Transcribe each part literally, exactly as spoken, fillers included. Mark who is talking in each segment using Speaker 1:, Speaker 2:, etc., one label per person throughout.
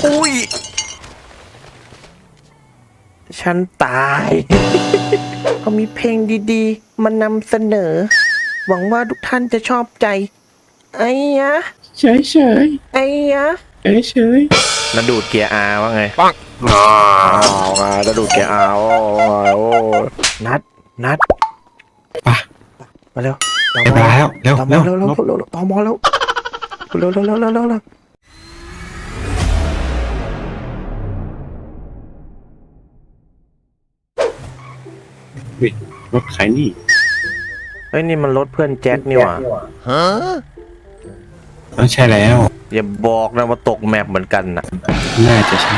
Speaker 1: อุ้ยฉันตายเขามีเพลงดีๆมานำเสนอหวังว่าทุกท่านจะชอบใจไอ้ยะ
Speaker 2: เฉยเฉย
Speaker 1: ไอ้ยะ
Speaker 2: เฉยเฉย
Speaker 1: นัดดูดเกียร์อาว่าไงปังอ๋อไงนัดดูดเกียร์อาโอ้โอ้นัดนัด
Speaker 2: ปะ
Speaker 1: มาเร็วตอม
Speaker 2: มาแล้วเร็ว
Speaker 1: ตอม
Speaker 2: เร็ว
Speaker 1: เร็วเร็วเร็วตอมแล้วเร็วเร็วเร็วเร็วเร็วเร็ว
Speaker 2: รถใครนี่
Speaker 1: เฮ้ยนี่มันรถเพื่อนแจ็คนี่หว่าฮะ
Speaker 2: ต้องใช่แล้ว
Speaker 1: อย่าบอกนะว่าตกแมปเหมือนกันน่ะ
Speaker 2: น่าจะใช่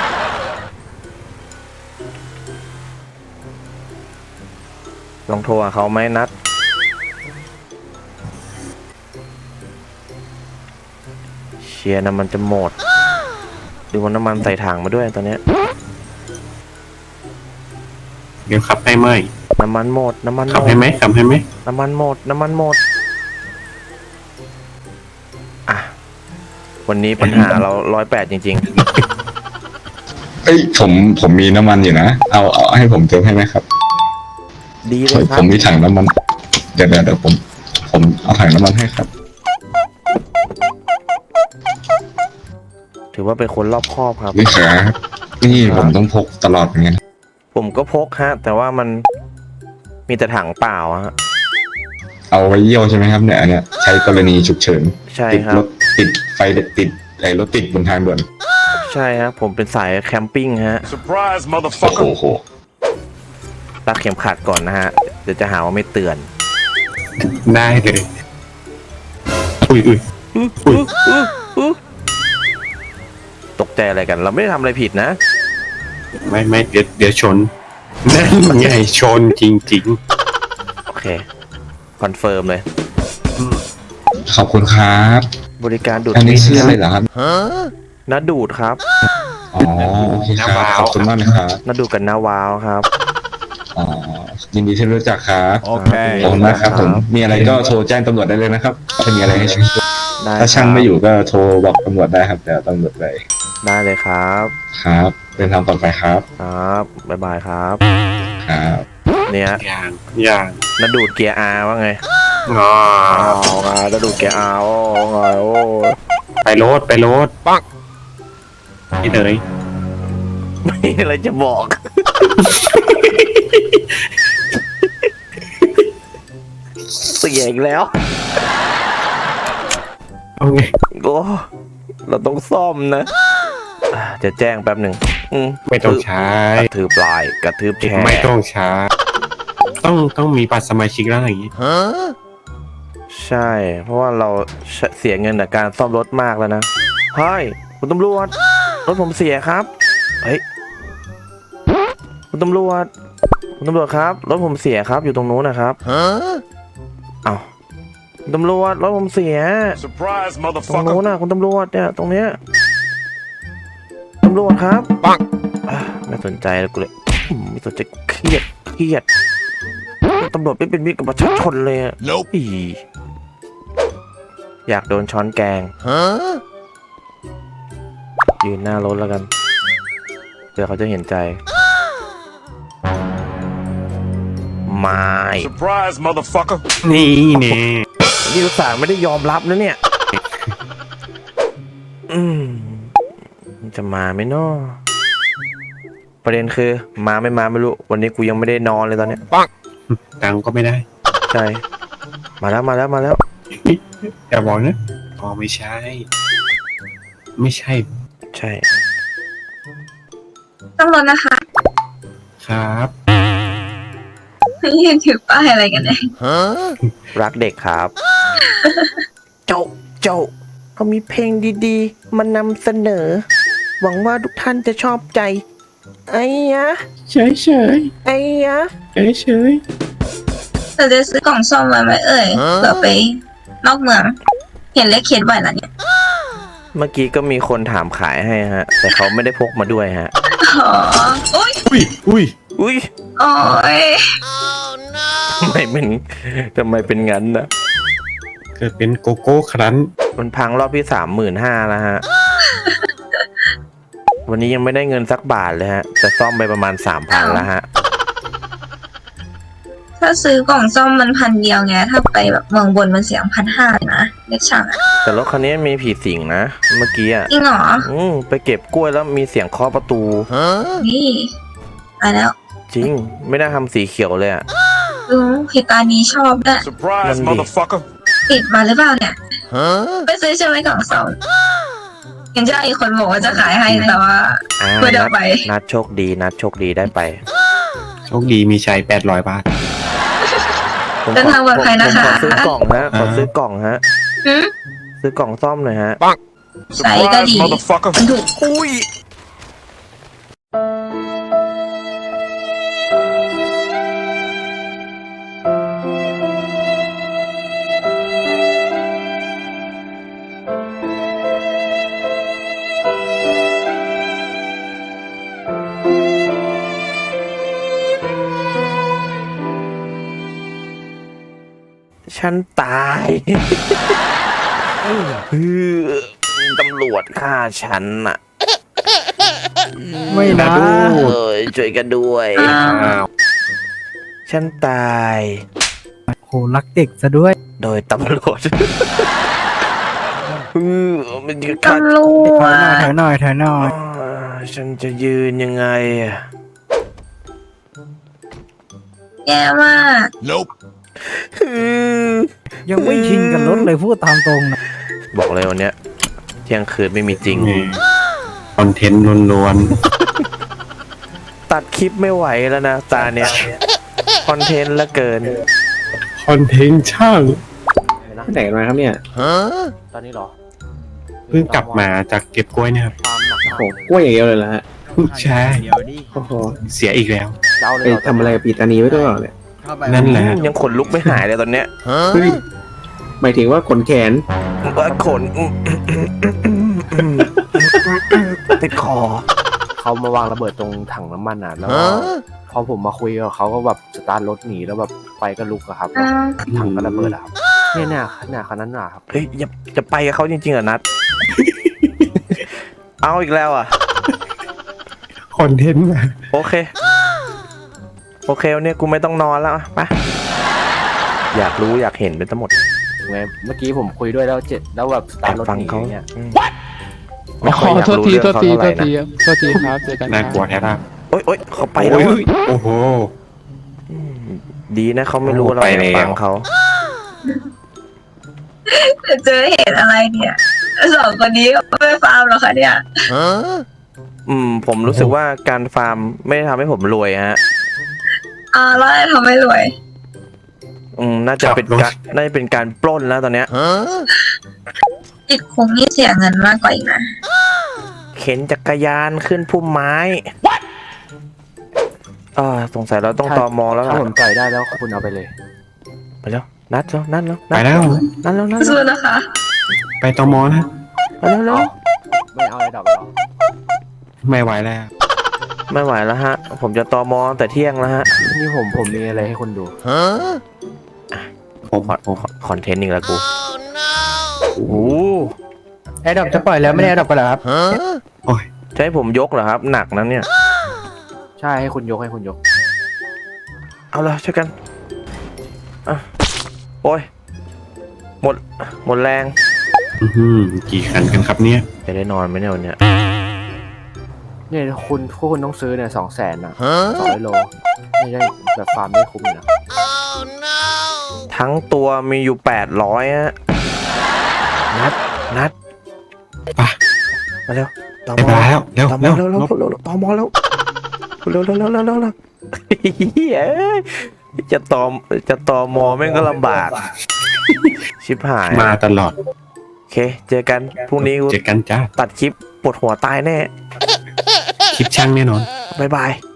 Speaker 1: ลองโทรหาเขาไหมนัดเชียร์น้ำมันจะหมดดูว่าน้ำมันใส่ถังมาด้วยตอนเนี้ย
Speaker 2: เดี๋ยวขับให้ไหม
Speaker 1: น้ำมันหมดน้ำมัน
Speaker 2: ขับให้ไหมขับให้ไหม
Speaker 1: น้ำมันหมดน้ำมันหมดอ่ะวันนี้ปัญหาเราร้อยแปดจริง
Speaker 3: ๆเอ้ยผมผมมีน้ำมันอยู่นะเอาเอาให้ผมเติมให้ไหมครับ
Speaker 1: ดีเลยครับ
Speaker 3: ผมมีถังน้ำมันเดี๋ยวเดี๋ยวเดี๋ยวผมผมเอาถังน้ำมันให้ครับ
Speaker 1: ถือว่าเป็นคนรอบคอบครับ
Speaker 3: นี่ครับนี่ผมต้องพกตลอดเหมือนกัน
Speaker 1: ผมก็พกฮะแต่ว่ามันมีแต่ถังเปล่าฮะ
Speaker 3: เอาไว้เยี่ยวใช่ไหมครับเนี่ยอันเนี้ยใช้กรณีฉุกเฉิน
Speaker 1: ใช่ครับ
Speaker 3: ติดรถติดไฟติดไอ้รถติดบนทางด่วน
Speaker 1: ใช่ฮะผมเป็นสายแคมปิ้งฮะ
Speaker 3: Surprise motherfucker โอ้โห
Speaker 1: รักเข็มขัดก่อนนะฮะเดี๋ยวจะหาว่าไม่เตือน
Speaker 2: ได้เลยอุ้ยอุ้ย
Speaker 1: อุ้ยตกใจอะไรกันเราไม่ได้ทำอะไรผิดนะ
Speaker 2: ไม่ไม่เดี๋ยวเดี๋ยวชนนั่นไงชนจริงๆ
Speaker 1: โอเคคอนเฟิร์มเลย
Speaker 3: ขอบคุณครับ
Speaker 1: บริการดูด
Speaker 3: อันนี้ชื่ออะไรเหรอครับ
Speaker 1: น้าดูดครับ
Speaker 3: อ๋อโอเคครับขอบคุณมากนะครับ
Speaker 1: น้าดูดกับน้าวาวครับ
Speaker 3: อ๋อยินดีที่รู้จักครับ
Speaker 1: โอเค
Speaker 3: ขอบคุณมากครับผมมีอะไรก็โทรแจ้งตำรวจได้เลยนะครับถ้ามีอะไรให้ช่วยถ้าช่างไม่อยู่ก็โทรบอกตำรวจได้ครับเดี๋ยวตำรวจไป
Speaker 1: ได้เลยครับ
Speaker 3: ครับเดินทางปลอดภัยครับ
Speaker 1: ครับบ๊ายบายครับ
Speaker 3: ครับ
Speaker 1: เนี่ย
Speaker 2: อย่างอย่าง
Speaker 1: น้าดูดเกียร์อาว่าไง
Speaker 2: อ๋อ
Speaker 1: ไงน้าดูดเกียร์อาโอ้ไงโอ้
Speaker 2: ไปรถไปรถปังนี่เลย
Speaker 1: ไม่อะไรจะบอกเสียอีกแล้ว
Speaker 2: เอาไง
Speaker 1: โอ้เราต้องซ่อมนะจะแจ้งแป๊บหนึ่ง
Speaker 2: ไม่ต้องใช้
Speaker 1: กระทืบปลายกระทืบแชร์
Speaker 2: ไม่ต้องใช้ต้องต้องมีบัตรสมาชิกแล้วอย่างนี้
Speaker 1: ใช่เพราะว่าเราเสียเงินจากการซ่อมรถมากแล้วนะเฮ้ยคุณตำรวจรถผมเสียครับเฮ้ยคุณตำรวจคุณตำรวจครับรถผมเสียครับอยู่ตรงนู้นนะครับเอ้าคุณตำรวจรถผมเสียตรงนู้นนะคุณตำรวจเนี่ยตรงเนี้ยตำรวจครับปังไม่สนใจแล้วกูเลยไม่สนใจเครียดเครียดตำรวจไม่เป็นมิตรกับประชาชนเลยอ่ะอยากโดนช้อนแกงยืนหน้ารถแล้วกันเดี๋ยวเขาจะเห็นใจไม่
Speaker 3: Surprise motherfucker
Speaker 2: นี่นี่
Speaker 1: นี่ลูกสาวไม่ได้ยอมรับนะเนี่ยอืมจะมาไหมเนาะประเด็นคือมาไม่มาไม่รู้วันนี้กูยังไม่ได้นอนเลยตอนเนี้ยปัง
Speaker 2: ตังก็ไม่ได้
Speaker 1: ใช่มาแล้วมาแล้วมาแล้ว
Speaker 2: อย่าบอกนะอ๋อไม่ใช่ไม่ใช่
Speaker 1: ใช่
Speaker 4: ต้องรถนะคะ
Speaker 2: ครับ
Speaker 4: ยืนถือป้ายอะไรกันเนี่ย
Speaker 1: รักเด็กครับเจ้าเจ้าเขามีเพลงดีๆมานำเสนอหวังว่าทุกท่านจะชอบใจไอ้ยะ
Speaker 2: เฉยเฉย
Speaker 1: ไอ้ยะ
Speaker 2: เฉยเฉย
Speaker 4: เราจะซื้อกล่องซ่อมมาไหมเอ่ยเผื่อไปนอกเมืองเห็นเลขเขียนไว้แล้วเนี่ย
Speaker 1: เมื่อกี้ก็มีคนถามขายให้ฮะแต่เขาไม่ได้พกมาด้วยฮะ
Speaker 4: อ๋ออุ้ย
Speaker 2: อุ้ยอุ้ย
Speaker 1: อุ้ย
Speaker 4: โอ้ย
Speaker 1: ทำไมเป็นทำไมเป็นงั้นนะ
Speaker 2: เกิดเป็นโกโก้ครั้น
Speaker 1: มันพังรอบที่สามหมื่นห้าแล้วฮะวันนี้ยังไม่ได้เงินสักบาทเลยฮะแต่ซ่อมไปประมาณสามพันแล้วฮะ
Speaker 4: ถ้าซื้อกล่องซ่อมมันพันเดียวไงถ้าไปแบบเมืองบนมันเสียงพันห้านะเล็กช่างอะ
Speaker 1: แต่รถคันนี้มีผีสิงนะเมื่อกี้อ่ะ
Speaker 4: จริงเหรอ
Speaker 1: อืมไปเก็บกล้วยแล้วมีเสียงเคาะประตู
Speaker 4: นี่ตายแล้ว
Speaker 1: จริงไม่ได้ทำสีเขียวเลยอ่ะ
Speaker 4: ดูเหตุการณ์นี้ชอบด้วย
Speaker 1: นั่นดิ
Speaker 4: ติดมาหรือเปล่าเนี่ยไปซื้อใช่ไหมกล่องซ่อมเห็นเจ้าอีกคนบอกว่าจะขายให้แต่ว่า
Speaker 1: อ่า
Speaker 4: ไม่ได้
Speaker 1: นัด
Speaker 4: ไป
Speaker 1: นัดโชคดีนัดโชคดีได้ไป
Speaker 2: โชคดีมีชัยแปดร้อยบาท
Speaker 1: ผม
Speaker 4: เดินทางปลอดภัยนะคะ
Speaker 1: ผมขอซื้อกล่องฮะขอซื้อกล่องฮะ
Speaker 4: หืม
Speaker 1: ซื้อกล่องซ่อมหน่อยฮะ
Speaker 4: ใส่ก็ดีมันถูก
Speaker 1: อุ้ย ฉันตาย ตำรวจฆ่าฉันน่ะ
Speaker 5: ไม่นะ
Speaker 1: เอ้ยช่วยกันด้วย
Speaker 4: อ้าว
Speaker 2: อ้าว
Speaker 1: ฉันตาย
Speaker 5: โหรักเด็กซะด้วย
Speaker 1: โดยตำรวจเออมันจะฆ่า
Speaker 4: ตำรว
Speaker 5: ถอยหน่อย
Speaker 4: จ
Speaker 5: ถอยหน่อยถอยหน่อย
Speaker 1: อ่าฉันจะยืนยังไงอะ
Speaker 4: แย่มาก
Speaker 1: อืม
Speaker 5: ยังไม่ชินกับรถเลยพูดตามตรงนะ
Speaker 1: บอกเลยวันเนี้ยเที่ยงคืนไม่มีจริง
Speaker 2: นี่คอนเทนต์ล้วน
Speaker 1: ตัดคลิปไม่ไหวแล้วนะตาเนี้ยคอนเทนต์ละเกิน
Speaker 2: ๆคอนเทนต์ช่างไปไหนกันมาครับเนี่ย
Speaker 1: ตอนนี้หรอ
Speaker 2: เพิ่งกลับมาจากเก็บกล้วยเนี่ยครับ
Speaker 1: ความหนัก
Speaker 6: โอ้กล้วยอย่างเดียวเลยนะฮะ
Speaker 2: ใช่
Speaker 6: โอ้โห
Speaker 2: เสียอีกแล้ว
Speaker 1: เจ้าเล
Speaker 6: ไป
Speaker 1: ย
Speaker 6: ทำอะไรกับปีตานีไว้ด้วยเหรอเนี่ย
Speaker 2: นั่นแหละ
Speaker 1: ยังขนลุกไม่หายเลยตอนเนี้ย
Speaker 6: เฮ้ยหมายถึงว่าขนแขน
Speaker 1: ว่าขนติดคอ
Speaker 7: เขามาวางระเบิดตรงถังน้ำมันอ่ะแล้วพอผมมาคุยกับเขาก็แบบสตาร์ทรถหนีแล้วแบบไฟก็ลุกอะครับ
Speaker 4: อ้าว
Speaker 7: ถังก็ระเบิดอะครับเนี่ยเนี่ยเนี่ยคันนั้นน่ะครับ
Speaker 1: เฮ้ยอย่าจะไปกับเขาจริงๆเหรอนัด เอาอีกแล้วอ่ะ
Speaker 2: คอนเทนต์มา
Speaker 1: โอเค โอเควันนี้กูไม่ต้องนอนแล้วอะไปอยากรู้อยากเห็นเป็นทั้งหมด
Speaker 7: ไงเมื่อกี้ผมคุยด้วยแล้วเจ็ดแล้วแบบส
Speaker 1: แอ
Speaker 7: ตาร์
Speaker 1: บ
Speaker 7: ทรถ
Speaker 1: ฟัง
Speaker 7: หนี
Speaker 1: เขา
Speaker 7: อย่างเงี้ย
Speaker 1: อืมไม่ค่อยอยากรู้เรื่องเขาเท่าไหร่นะ
Speaker 8: โทษทีครับเจอกัน
Speaker 2: น่ากลัวแท้ละ
Speaker 1: โอ๊ยโอ๊ยเขาไปแล้ว
Speaker 2: โอ้
Speaker 1: อะ
Speaker 2: ยโอ้โห
Speaker 1: อืมดีนะเขาไม่รู้
Speaker 2: โอ้
Speaker 1: เรา
Speaker 2: ไป
Speaker 1: อยาก
Speaker 2: แล้ว
Speaker 1: ฟังเขา
Speaker 4: จะเจอเหตุอะไรเนี่ยสองคนนี้ไม่ฟาร์มหรอคะเนี่ย
Speaker 1: อืม ผมรู้สึกว่าการฟาร์มไม่ได้ทำให้ผมรวยฮะ
Speaker 4: อ่าแล้วอะไรทำให้รวย
Speaker 1: อืมน่าจะเป็นการน่าจะเป็นการปล้นแล้วตอนเนี้ย
Speaker 4: ติดคุกนี่เสียเงินมากกว่าอีกนะ
Speaker 1: เข็นจักรยานขึ้นพุ่มไม้อ่าสงสัยเราต้องตอมอแล้ว
Speaker 7: ถ้า
Speaker 1: ล่ะ
Speaker 7: ผมจ่ายได้แล้วคุณเอาไปเลย
Speaker 1: ไปแล้วนัดแล้วนัดแล้ว
Speaker 2: ไปแล้ว
Speaker 1: นัดแล้วนัดแล้ว
Speaker 4: สู้นะคะ
Speaker 2: ไปตมนะ
Speaker 1: ไปแล้วแล้ว
Speaker 7: ไม่เอาอะไรดอกหรอก
Speaker 2: ไม่ไหวแล้ว
Speaker 1: ไม่ไหวแล้วฮะ ผมจะตอมอแต่เที่ยงแล้วฮะ
Speaker 7: นี่ผมผมมีอะไรให้คุณดู
Speaker 2: ผม
Speaker 1: คอนคอนเทนต์อีกแล้วกูโอ้โห
Speaker 5: แอร์ดรอปจะปล่อยแล้วไม่ได้แอร์ดรอปกันเหรอครับ
Speaker 2: โอ้ย
Speaker 1: จะให้ผมยกเหรอครับ หนักนะเนี่ย
Speaker 7: ใช่ให้คุณยกให้คุณยก
Speaker 1: เอาละช่วยกันอ่ะโอ้ยหมดหมดแรง
Speaker 2: อื้อหือกี่คันกันครับเนี่ย
Speaker 1: จะได้นอนไหมเนี่ยวันเนี้ย
Speaker 7: เนี่ยคุณพวกคุณต้องซื้อเนี่ยสองแสนนะสองร้อยโลไม่ได้แบบฟาร์มไม่คุ้มอยู่นะ
Speaker 1: ทั้งตัวมีอยู่แปดร้อยฮะนัดนัด
Speaker 2: ไป
Speaker 1: มาเร็วตอ
Speaker 2: ไป
Speaker 1: มอ
Speaker 2: แล้วเร็ว
Speaker 1: ตอม
Speaker 2: เร็
Speaker 1: อ
Speaker 2: ว
Speaker 1: เร็วเร็ว
Speaker 2: นบ
Speaker 1: เร็วเร็วตอมอแล้วเร็วเร็วเร็วเร็วเร็วเร็วเฮ้ยจะตอมจะตอมอแม่งก็ลำบาก ชิบหาย
Speaker 2: มาตลอด
Speaker 1: โอเค เจอกันพรุ่งนี้กู
Speaker 2: เจอกันจ้า
Speaker 1: ตัดคลิปปวดหัวตายแน่
Speaker 2: คลิปช่างแน่นอน
Speaker 1: บ๊ายบาย